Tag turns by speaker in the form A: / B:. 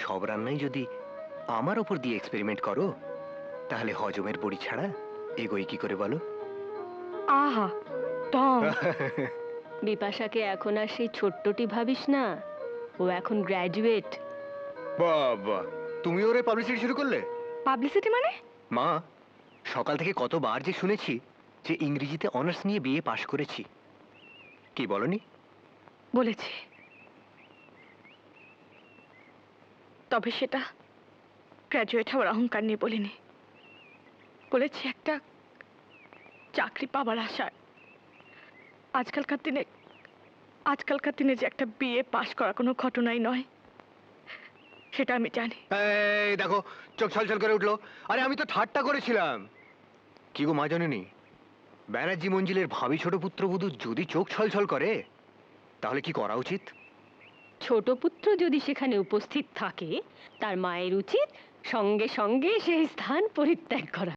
A: সব রান্নাই যদি আমার ওপর দিয়ে এক্সপেরিমেন্ট করো, তাহলে হজমের বড়ি ছাড়া এগোই কি করে বলো?
B: আহা টম,
C: বিপাশাকে এখন আর সেই ছোট্টটি ভাবিস না, ও এখন গ্র্যাজুয়েট।
A: বাবা, তুমি ওরে পাবলিসিটি শুরু করলে?
B: পাবলিসিটি মানে?
A: মা, সকাল থেকে কতবার যে শুনেছি যে ইংরেজিতে অনার্স নিয়ে বিএ পাশ করেছি। কি বলনি?
B: বলেছি, তবে সেটা গ্র্যাজুয়েট হওয়ার অহংকার নিয়ে বলিনি। বলেছি একটা চাকরি পাবার আশায়। আজকালকার দিনে যে একটা বিএ পাশ করা কোনো ঘটনাই নয়, সেটা আমি জানি।
A: এই দেখো, চোখ ছলছল করে উঠলো। আরে আমি তো ঠাট্টা করেছিলাম। কি গো মা, জানেনি ব্যানার্জি মঞ্জিলের ভাবি ছোট পুত্রবধূ যদি চোখ ছলছল করে তাহলে কি করা উচিত?
C: ছোট পুত্র যদি সেখানে উপস্থিত থাকে, তার মায়ের উচিত সঙ্গে সঙ্গে সেই স্থান পরিত্যাগ করা।